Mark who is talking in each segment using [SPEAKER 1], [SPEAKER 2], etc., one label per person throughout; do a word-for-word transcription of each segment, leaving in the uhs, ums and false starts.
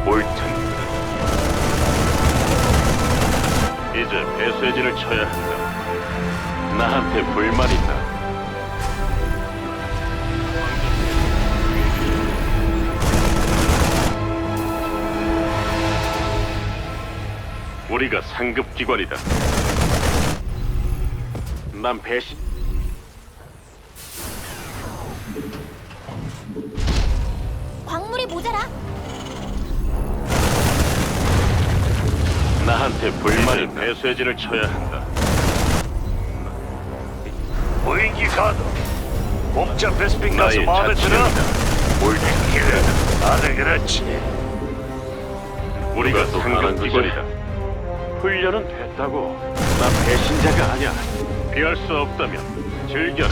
[SPEAKER 1] 옳든 이제 배쇄진을 쳐야 한다. 나한테 불만 있나? 우리가 상급 기관이다. 난 배신.
[SPEAKER 2] 광물이 모자라.
[SPEAKER 1] 나한테 불만 있나? 배쇄진을 쳐야 한다.
[SPEAKER 3] 무인기 가도 공짜 베스핀 가스
[SPEAKER 1] 나의
[SPEAKER 3] 마음에 들어?
[SPEAKER 1] 자치령이다. 옳든
[SPEAKER 3] 그래, 다들 그렇지.
[SPEAKER 1] 우리가 상급 기관이다. 훈련은 됐다고. 나 배신자가 아니야. 피할 수 없다면 즐겨라.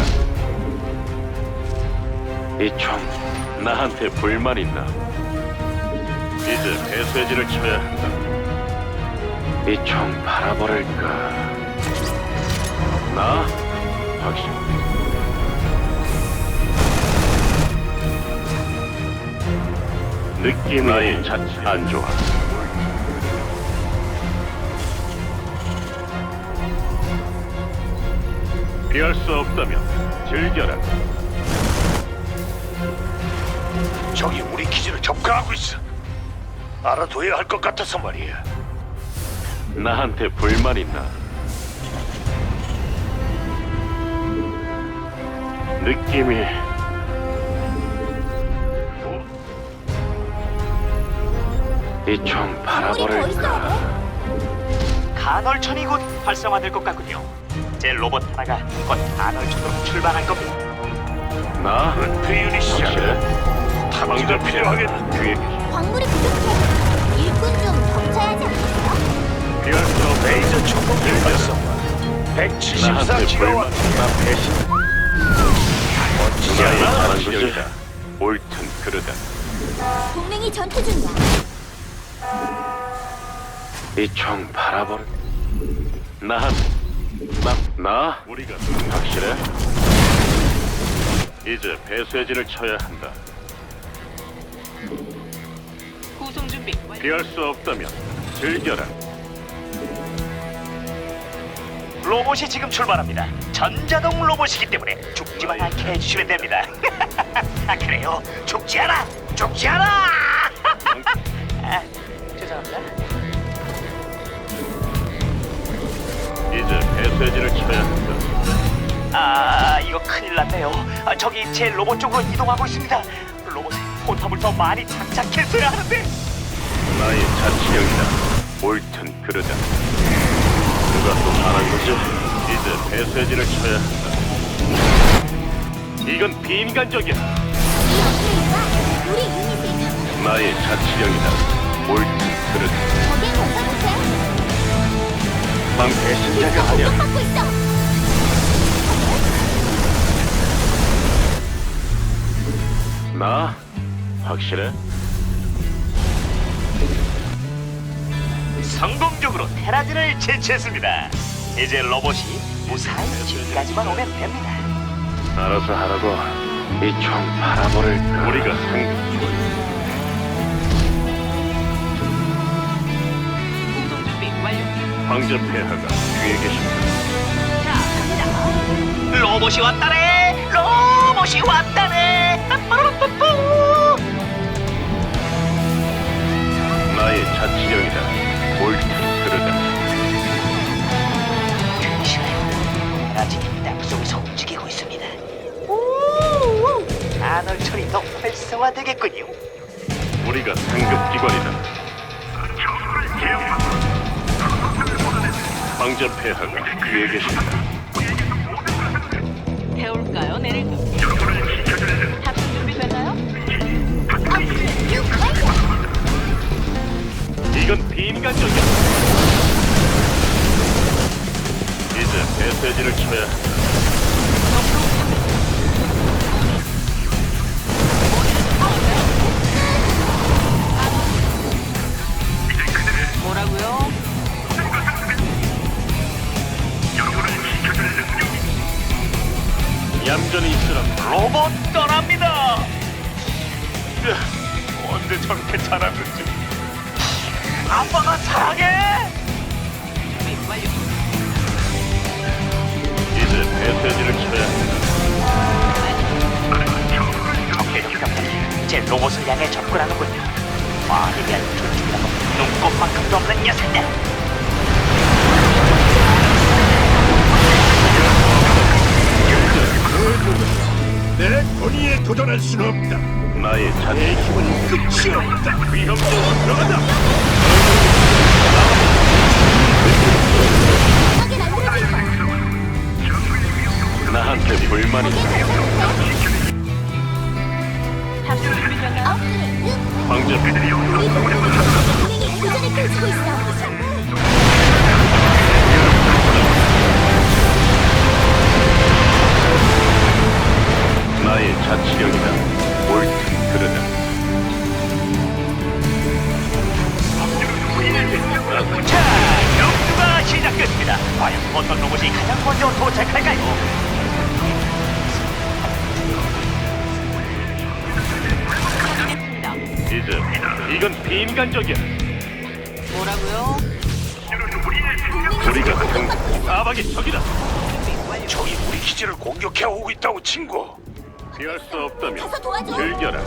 [SPEAKER 1] 이 총 나한테 불만 있나? 이제 배쇄진을 쳐야 한다. 이 총 바라버릴까? 나? 확실. 느낌이 나의 자체 안 좋아. 피할 수 없다면 즐겨라.
[SPEAKER 3] 적이 우리 기지를 접근하고 있어. 알아둬야 할 것 같아서 말이야.
[SPEAKER 1] 나한테 불만 있나? 느낌이 이 총
[SPEAKER 2] 광물이 더
[SPEAKER 1] 바라버릴까?
[SPEAKER 2] 있어야 돼.
[SPEAKER 4] 간헐천이 곧 활성화될 것 같군요. 제 로봇 하나가 곧 간헐천으로 출발할 겁니다.
[SPEAKER 1] 나?
[SPEAKER 3] 은폐 유닛이야.
[SPEAKER 1] 확실해?
[SPEAKER 3] 탐지가 필요하겠다.
[SPEAKER 1] 뒤에
[SPEAKER 2] 광물이 부족해. 일꾼 좀 덮쳐야 하지 않겠어?
[SPEAKER 1] 피할 수 없다.
[SPEAKER 3] 레이저 총공기 활성화. 백칠십사
[SPEAKER 1] 나한테
[SPEAKER 3] 기가와트.
[SPEAKER 1] 불만. 나 배신.
[SPEAKER 3] 멋지지
[SPEAKER 1] 나의
[SPEAKER 3] 않아?
[SPEAKER 1] 잘한 것이다. 옳든 그르다.
[SPEAKER 2] 동맹이 전투 중이야.
[SPEAKER 1] 이 총 바라버릴. 나한 나 나? 우리가 확실해? 이제 배쇄진을 쳐야 한다.
[SPEAKER 5] 구송 준비 완료.
[SPEAKER 1] 피할 수 없다면 즐겨라.
[SPEAKER 4] 로봇이 지금 출발합니다. 전자동 로봇이기 때문에 죽지만 않게 해주시면 됩니다. 아 그래요? 죽지 않아! 죽지 않아! 아, 죄송합니다.
[SPEAKER 1] 이제 배쇄진을 쳐야 한다.
[SPEAKER 4] 아 이거 큰일 났네요. 아, 저기 제 로봇 쪽으로 이동하고 있습니다. 로봇에 포탑을 더 많이 장착했어야 하는데.
[SPEAKER 1] 나의 자치령이다. 옳든 그르다. 누가 또 말한 거지? 이제 배쇄진을 쳐야 한다. 이건 비인간적이야.
[SPEAKER 2] 이 업그레이드가 우리 유닛을 강-
[SPEAKER 1] 나의 자치령이다. 옳든 그르다.
[SPEAKER 2] 적의 공격 못해.
[SPEAKER 1] 난 배신자가 아니야.
[SPEAKER 2] 공격받고 있어.
[SPEAKER 1] 나? 확실해?
[SPEAKER 4] 성공적으로 테라진을 제치했습니다. 이제 로봇이 무사히 집까지만 오면 됩니다.
[SPEAKER 1] 알아서 하라고. 이 총 바라버릴까? 우리가 상급 기관.
[SPEAKER 5] 구송 준비 완료.
[SPEAKER 1] 황제 폐하가 뒤에 계신다.
[SPEAKER 5] 자, 갑니다.
[SPEAKER 4] 로봇이 왔다네. 로봇이 왔다네. 빠빠라빠뿌.
[SPEAKER 1] 나의 자치령이다. 옳든 그르다.
[SPEAKER 4] 테라진이 땅속에서 움직이고 있습니다. 오, 간헐천이 더 활성화되겠군요.
[SPEAKER 1] 우리가 상급 기관이다. 황제 폐하가 뒤에 계신다.
[SPEAKER 5] 태울까요? 내릴까요? 탑승 준비 됐나요?
[SPEAKER 1] 이건 비인간적이야. 이제 배쇄진을 쳐야 한다.
[SPEAKER 5] 뭐라고요?
[SPEAKER 1] 얌전히 있으라.
[SPEAKER 4] 로봇 떠납니다. 으, 언제 저렇게 잘하는지. 아빠가 사랑해.
[SPEAKER 5] 준비 완료.
[SPEAKER 1] 이제 배쇄진을 쳐야 한다.
[SPEAKER 4] 적의 유령들이 제 로봇을 향해 접근하는군요. 말에 대한 존중이라고 눈꼽만큼도 없는 녀석들.
[SPEAKER 3] 내 권위에 도전할 수는 없다.
[SPEAKER 1] 나의
[SPEAKER 3] 내
[SPEAKER 1] 자세
[SPEAKER 3] 힘은 끝이 없다. 위험적으로 들어간다.
[SPEAKER 2] 하게 만들어줄 거야.
[SPEAKER 1] 나한테 불만이 있어.
[SPEAKER 5] 탑승 준비됐나요?
[SPEAKER 2] 업그레이드.
[SPEAKER 1] 황제
[SPEAKER 2] 우리 동맹이 교전을 펼치고 있어.
[SPEAKER 1] 나의 자치령이다. 옳든 그르든.
[SPEAKER 4] 자, 경주가 시작됐습니다. 과연 어떤 로봇이 가장 먼저 도착할까요?
[SPEAKER 5] 확인했습니다.
[SPEAKER 1] 이제 이건 비인간적이야.
[SPEAKER 5] 뭐라고요?
[SPEAKER 1] 우리가 상 사박의 적이다.
[SPEAKER 5] 준비 완료.
[SPEAKER 3] 적이 우리 기지를 공격해 오고 있다고 친구.
[SPEAKER 1] 피할 수 없다면
[SPEAKER 2] 가서 도와줘.
[SPEAKER 1] 즐겨라.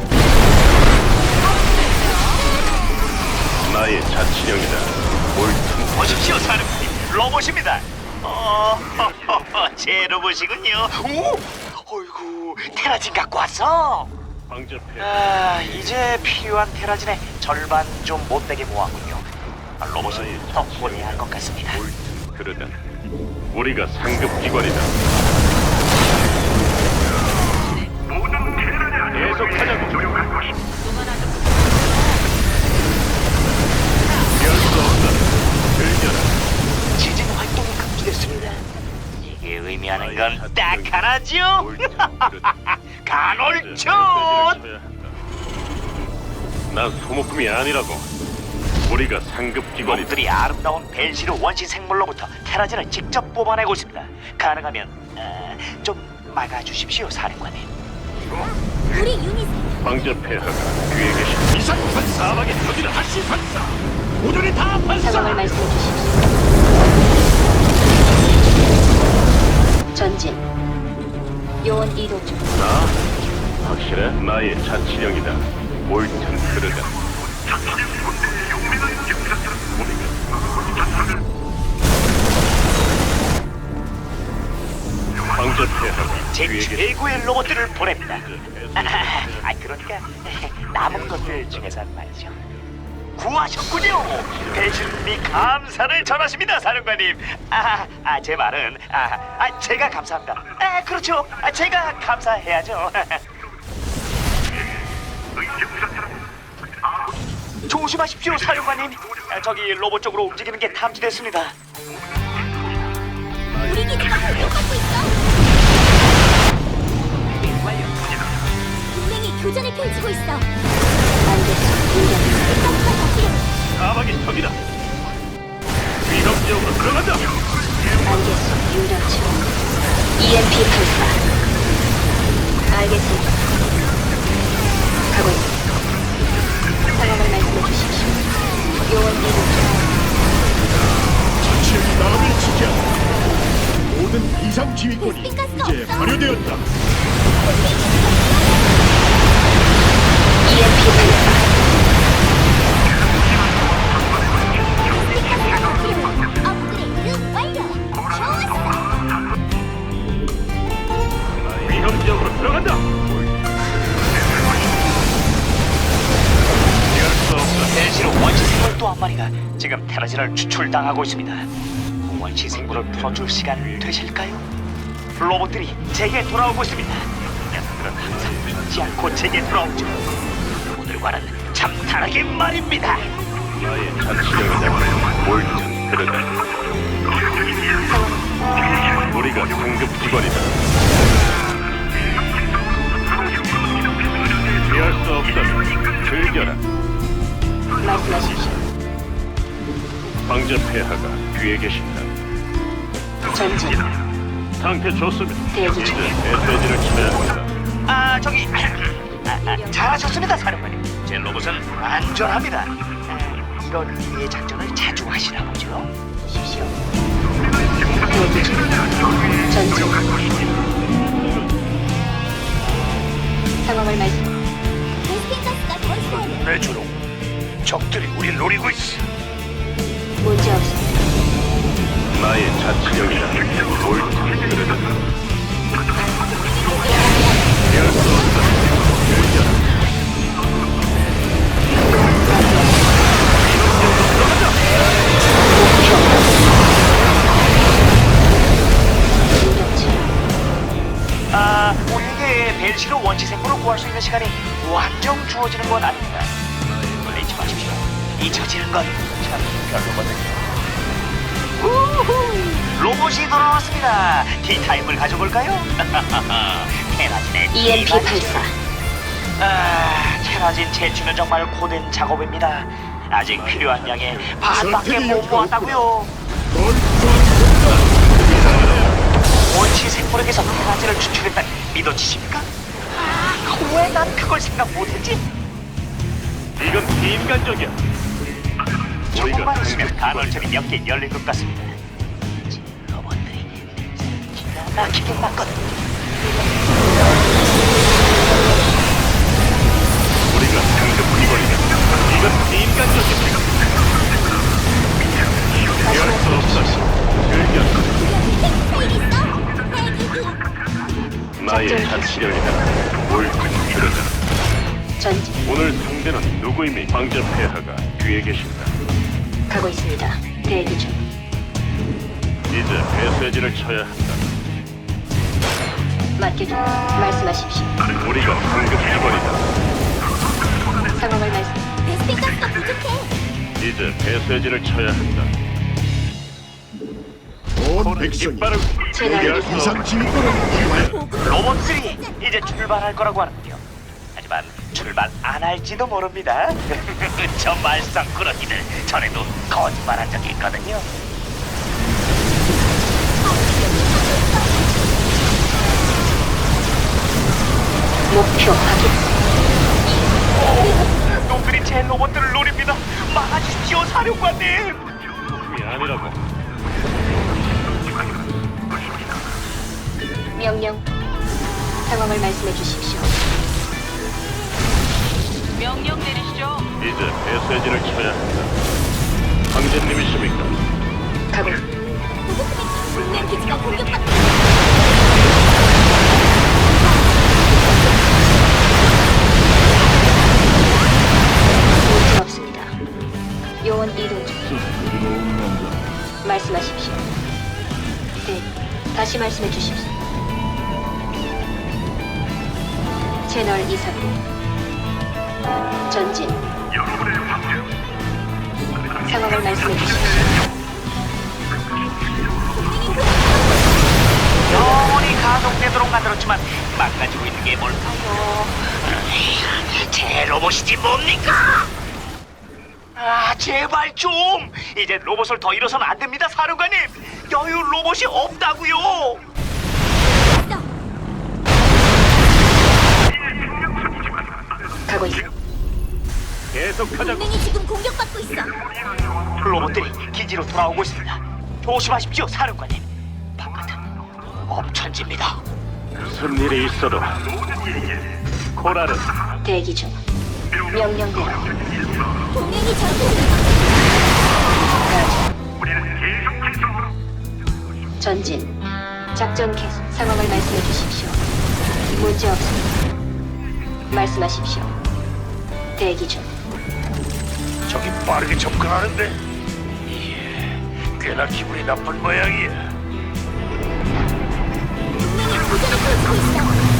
[SPEAKER 1] 나의 자치령이다. 옳든
[SPEAKER 4] 보십시오, 사령관님. 로봇입니다. 어, 제 로봇이군요. 오, 어이구, 테라진 갖고 왔어.
[SPEAKER 1] 황제폐.
[SPEAKER 4] 아, 이제 필요한 테라진의 절반 좀 못되게 모았군요. 아, 로봇이 더 보내야 할 것 같습니다.
[SPEAKER 1] 옳든 그르든. 우리가 상급 기관이다. 계속하자고.
[SPEAKER 5] 또 하나 더.
[SPEAKER 1] 피할 수 없다. 즐겨라.
[SPEAKER 4] 지진 활동이 금지됐습니다. 이게 의미하는 건 딱 하나죠.
[SPEAKER 1] 옳든 그르든.
[SPEAKER 4] 간헐촌.
[SPEAKER 1] 난 소모품이 아니라고. 우리가 상급 기관이다.
[SPEAKER 4] 놈들이 아름다운 벨시르 원시 생물로부터 테라진을 직접 뽑아내고 있습니다. 가능하면 어, 좀 막아주십시오, 사령관님.
[SPEAKER 2] 우리 유닛
[SPEAKER 1] 황제 폐하가 뒤에 계신
[SPEAKER 3] 이상 반사.
[SPEAKER 1] 사박의 적이다.
[SPEAKER 3] 다시 반사. 모조리 다 반사.
[SPEAKER 6] 상황을 말씀해 주십시오. 전진. 요원 이동 중.
[SPEAKER 1] 나? 확실해? 나의 자치령이다. 옳든 그르든. 황제 폐하가
[SPEAKER 4] 제
[SPEAKER 1] 뒤에 계신
[SPEAKER 4] 최고의 로봇들을 보냅니다. 아, 그러니까 남은 것들 중에서 말이죠. 구하셨군요. 배신님이 감사를 전하십니다, 사령관님. 아, 아, 제 말은 아, 아, 제가 감사합니다. 아, 그렇죠. 아, 제가 감사해야죠. 조심하십시오, 사령관님. 아, 저기 로봇 쪽으로 움직이는 게 탐지됐습니다.
[SPEAKER 2] 우리 기지가 공격받고 있어.
[SPEAKER 5] 준비 완료.
[SPEAKER 2] 동맹이 교전을 펼치고 있어.
[SPEAKER 6] 알겠어. 공격.
[SPEAKER 2] 가스가 더 필요해.
[SPEAKER 1] 사박의 적이다. 위험 지역으로 들어간다.
[SPEAKER 6] 알겠어. 유령 지원. 이엠피 발사. 알겠습니다. 가고 있습니다. 상황을 말씀해 주십시오. 요원 이동 중.
[SPEAKER 3] 자치령이 나라를 지키한다. 모든 비상 지휘권이
[SPEAKER 2] 베스핀 가스가
[SPEAKER 3] 이제
[SPEAKER 2] 없어.
[SPEAKER 3] 발효되었다.
[SPEAKER 6] 이엠피 발사.
[SPEAKER 2] 업그레이드 완료. 좋았어.
[SPEAKER 1] 위험 지역으로 들어간다. 피할 수 없다.
[SPEAKER 4] 벨시로 원시 생물 또 한 마리가 지금 테라진을 추출당하고 있습니다. 원시 생물을 풀어줄 시간 되실까요? 로봇들이 제게 돌아오고 있습니다. 녀석들은 항상 잊지 않고 제게 돌아오죠. 오늘과는 참 다르게 말입니다.
[SPEAKER 1] 나의 자치령이다. 옳든 그르든. 우리가 상급 기관이다. 피할 수 없다면 즐겨라.
[SPEAKER 6] 말씀하십시오.
[SPEAKER 1] 황제 폐하가 뒤에 계신다.
[SPEAKER 6] 전진.
[SPEAKER 1] 상태 좋습니다.
[SPEAKER 6] 대기
[SPEAKER 1] 이제
[SPEAKER 6] 중.
[SPEAKER 1] 배쇄진을 치면 한다.
[SPEAKER 4] 아 저기 아, 아, 잘하셨습니다, 사령관님. 제 로봇은 안전합니다. 아, 이런 류의 작전을 자주 하시나 보죠?
[SPEAKER 6] 십시오. 대기 중. 전진. 상황을 말씀.
[SPEAKER 2] 베스킨 가스가 더 있어야 돼.
[SPEAKER 3] 내 주로 적들이 우리 노리고 있어.
[SPEAKER 6] 문제 없습니다.
[SPEAKER 1] 나의 자치력이라 옳든 그르든 피할 수 없다. 즐겨라.
[SPEAKER 6] 무력지.
[SPEAKER 4] 아, 우리에게 벨시로 원시 생물을 구할 수 있는 시간이 완전 주어지는 건 아닙니다. 놀라지 마십시오. 잊혀지는 건 참 별로거든요. 우후, 로봇이 돌아왔습니다. 티타임을 가져볼까요? 테라진의
[SPEAKER 6] 이엠피
[SPEAKER 4] 티타임.
[SPEAKER 6] 발사.
[SPEAKER 4] 아, 테라진 채취는 정말 고된 작업입니다. 아직 필요한 양의 반밖에 못 모았다고요. 원시 생물에게서 테라진을 추출했다니 믿어지십니까? 아, 왜 난 그걸 생각 못했지?
[SPEAKER 1] 이건 비인간적이야.
[SPEAKER 4] 조금만 있으면 간헐천이 몇 개 열릴 것 같습니다. 지 로봇들이 기가 막히게 맞거든.
[SPEAKER 1] 우리가 상급 기관이다. 이건 비인간적이야. 피할 수 없다. 즐겨라. 나의 자치력이다. 옳든 그르든
[SPEAKER 6] 전진.
[SPEAKER 1] 오늘 상대는 누구임이 황제 폐하가 뒤에 계신다.
[SPEAKER 6] 가고 있습니다. 대기 중.
[SPEAKER 1] 이제 배쇄진을 쳐야 한다.
[SPEAKER 6] 맡겨줘. 말씀하십시오.
[SPEAKER 1] 우리가 상급 기관이다.
[SPEAKER 6] 상황을 말씀.
[SPEAKER 2] 베스킨 가스가 부족해.
[SPEAKER 1] 이제 배쇄진을 쳐야 한다.
[SPEAKER 7] 온 백성이
[SPEAKER 1] 이빨을 포기할 수
[SPEAKER 7] 이상
[SPEAKER 1] 없다.
[SPEAKER 7] 진보를 위하여
[SPEAKER 4] 로봇들이 이제 출발할 거라고 하는군요. 하지만 출발 안 할지도 모릅니다. 저 말썽꾸러기들 전에도 거짓말한 적이 있거든요.
[SPEAKER 6] 목표 확인.
[SPEAKER 4] 놈들이 제 로봇들을 노립니다. 막아주십시오, 사령관님.
[SPEAKER 1] 이 아니라고.
[SPEAKER 6] 명령. 상황을 말씀해 주십시오.
[SPEAKER 5] 명령 내리시죠.
[SPEAKER 1] 이제 배쇄진을 쳐야 한다. 황제님이십니까?
[SPEAKER 6] 가고.
[SPEAKER 2] 동맹 기지가 공격받고 있어.
[SPEAKER 6] 문제 없습니다. 요원 이동 중. 말씀하십시오. 네. 다시 말씀해 주십시오. 채널 이상으로. 전진. 상황을 말씀해 주십시오.
[SPEAKER 4] 영원히 가동되도록 만들었지만 망가지고 있는 게 뭘까요? 제 로봇이지 뭡니까? 아, 제발 좀! 이제 로봇을 더 잃어서는 안 됩니다, 사령관님! 여유 로봇이 없다고요!
[SPEAKER 6] 가고 있어.
[SPEAKER 1] 계속하자고.
[SPEAKER 2] 동맹이 지금 공격받고 있어.
[SPEAKER 4] 로봇들이 기지로 돌아오고 있습니다. 조심하십시오, 사령관님. 바깥은 엄천지입니다.
[SPEAKER 1] 무슨 일이 있어도 코랄은
[SPEAKER 6] 대기 중. 명령대로.
[SPEAKER 2] 동맹이 전투 중이야.
[SPEAKER 6] 전진. 작전 개시. 상황을 말씀해 주십시오. 문제 없습니다. 말씀하십시오. 대기 중.
[SPEAKER 3] 적이 빠르게 접근하는데. 이게 꽤나 기분이 나쁜 모양이야.
[SPEAKER 2] 동맹이 교전을 펼치고 있어.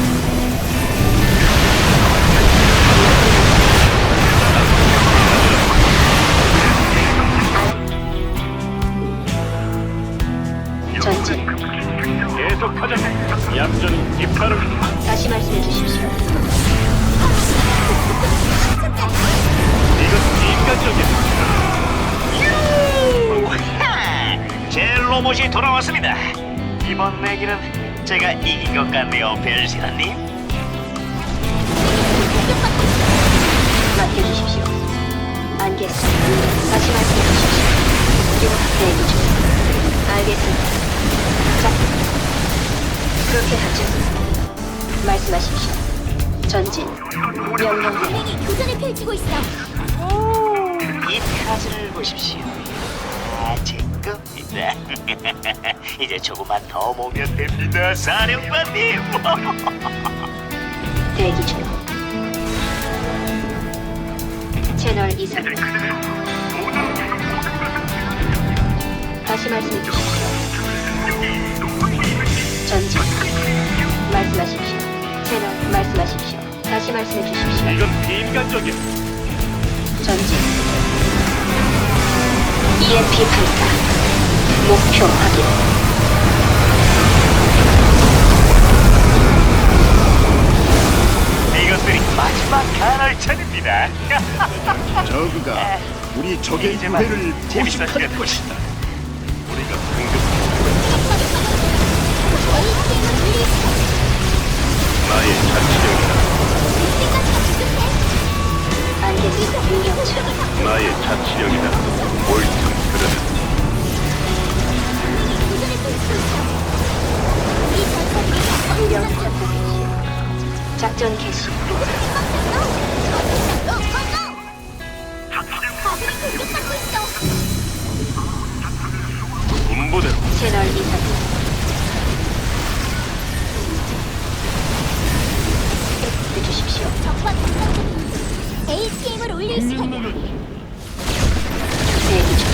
[SPEAKER 6] 전진.
[SPEAKER 1] 계속하자고. 얌전히 이빨을
[SPEAKER 6] 다시 말씀해 주십시오.
[SPEAKER 1] 이건 인간적이야.
[SPEAKER 4] 제 로봇이 돌아왔습니다. 이번 내기는 제가 이긴 것 같네요, 벨시라님.
[SPEAKER 6] 맡겨주십시오. 알겠습니다. 다시 말씀해 주십시오. 대기 중. 알겠습니다. 자, 그렇게 하죠. 말씀하십시오. 전진. 명령 대기.
[SPEAKER 2] 동맹이 교전을 펼치고 있어.
[SPEAKER 4] 이 테라즈를 보십시오. 아, 제 겁니다. 이제 조금만 더 모으면 됩니다, 사령관님.
[SPEAKER 6] 대기 중. 채널 이상. 다시 말씀해 주십시오. 전진. 말씀하십시오. 채널 말씀하십시오. 다시 말씀해 주십시오.
[SPEAKER 1] 이건 비인간적이야.
[SPEAKER 6] 전진. 이엠피 발사. 목표 확인.
[SPEAKER 4] 이것들이 마지막 간헐천입니다.
[SPEAKER 7] 저그가 우리 적의
[SPEAKER 4] 이제 막
[SPEAKER 7] 무대를
[SPEAKER 4] 재밌어지는
[SPEAKER 7] 포식할 것이다.
[SPEAKER 1] 우리가 공격
[SPEAKER 2] 에이티엠을 릴리스.
[SPEAKER 1] 나의 자치령이다.
[SPEAKER 6] 알겠습니다. 유경차.
[SPEAKER 1] 나의 자치령이다. 옳든 그르든
[SPEAKER 2] 교전을 펼치고 있어. 이 전사들이
[SPEAKER 6] 유경차 보십시오. 작전 개시.
[SPEAKER 2] 아군이 공격받고 있어.
[SPEAKER 1] 군부대로
[SPEAKER 6] 채널 이상. 해주십시오.
[SPEAKER 2] 적과 공격 중. 에이티엠을 올릴 시간이야.
[SPEAKER 6] 대기 중.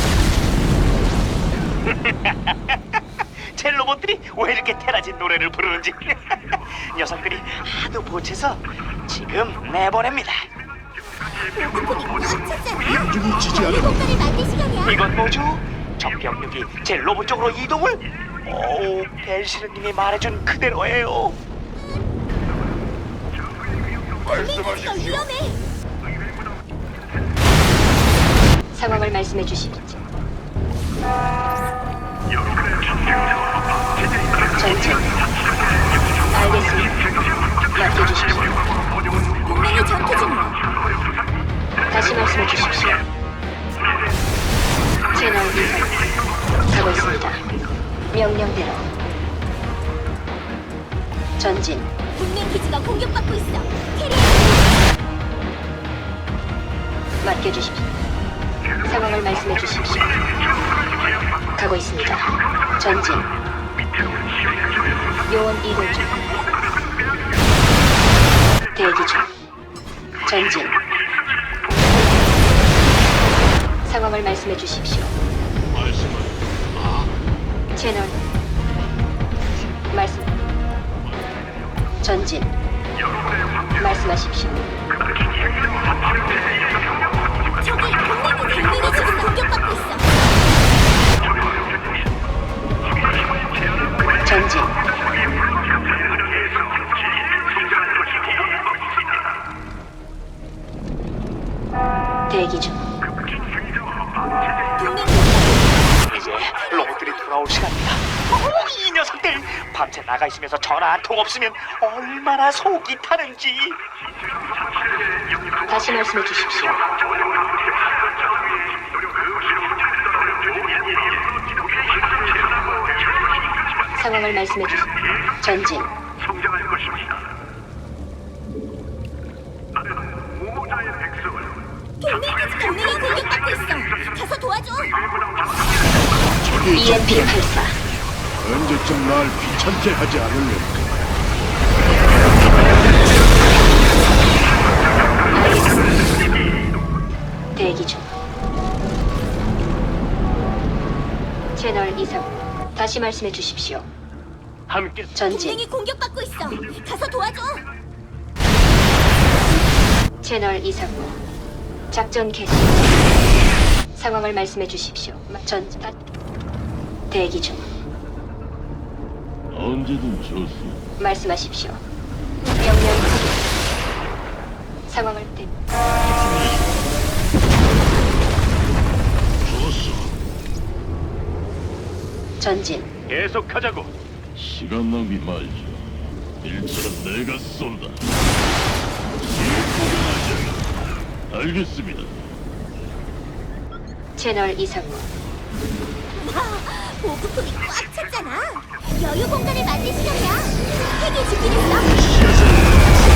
[SPEAKER 4] 제 로봇들이 왜 이렇게 테라진 노래를 부르는지 녀석들이 하도 보채서 지금 내보냅니다.
[SPEAKER 2] 로봇이 꽉
[SPEAKER 7] 인중이 지지 않으면
[SPEAKER 2] 효과를 만들 시간이야.
[SPEAKER 4] 이건 뭐죠? 적병력이 제 로봇 쪽으로 이동을? 오, 벨시르님이 말해준 그대로예요.
[SPEAKER 2] 동맹기지가 위험해.
[SPEAKER 6] 상황을 말씀해 주십시오. 전진. 알겠습니다. 맡겨주십시오.
[SPEAKER 2] 동맹이 전투 중이야.
[SPEAKER 6] 다시 말씀해 주십시오. 채널 이상. 가고 있습니다. 명령대로. 전진.
[SPEAKER 2] 동맹 기지가 공격받고 있어. 캐리어.
[SPEAKER 6] 맡겨주십시오. 상황을 말씀해 주십시오. 가고 있습니다. 전진. 요원 이동 중. 대기 중. 전진. 상황을 말씀해 주십시오. 채널 말씀. 전진. 말씀하십시오.
[SPEAKER 2] 저기 동맹이 동맹이 지금 공격받고 있어.
[SPEAKER 6] 전진. 대기 중.
[SPEAKER 2] 동맹
[SPEAKER 4] 이제 로봇들이 돌아올 시간이다. 오, 이 녀석들 밤새 나가 있으면서 전화 한 통 없으면 얼마나 속이 타는지.
[SPEAKER 6] 다시 말씀해 주십시오. 상황을 말씀해 주십시오. 전진.
[SPEAKER 3] 성장할 것입니다. 나는 무모자의 백성을
[SPEAKER 2] 동맹 기지 동맹이 공격받고 있어. 가서 도와줘.
[SPEAKER 7] 적의
[SPEAKER 6] 이엠피 발사.
[SPEAKER 7] 언제쯤 날 귀찮게 하지 않을래?
[SPEAKER 6] 대기 중. 채널 이상. 다시 말씀해 주십시오.
[SPEAKER 1] 함께
[SPEAKER 6] 전진.
[SPEAKER 2] 동맹이 공격받고 있어. 가서 도와줘.
[SPEAKER 6] 채널 이상무. 작전 개시. 상황을 말씀해 주십시오. 전진. 대기 중.
[SPEAKER 8] 언제든 좋습니다.
[SPEAKER 6] 말씀하십시오. 명령 확인. 상황을 대. 전진.
[SPEAKER 1] 계속하자고.
[SPEAKER 8] 시간 낭비 말죠. 일처럼 내가 쏜다. 알겠습니다.
[SPEAKER 6] 채널 이상무.
[SPEAKER 2] 와, 보급품이 꽉 찼잖아. 여유 공간을 만들 시간이야. 핵이 준비됐어.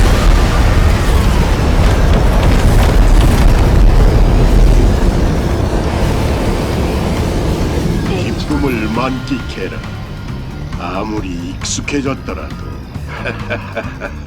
[SPEAKER 7] 기쁨을 만끽해라. 아무리 익숙해졌더라도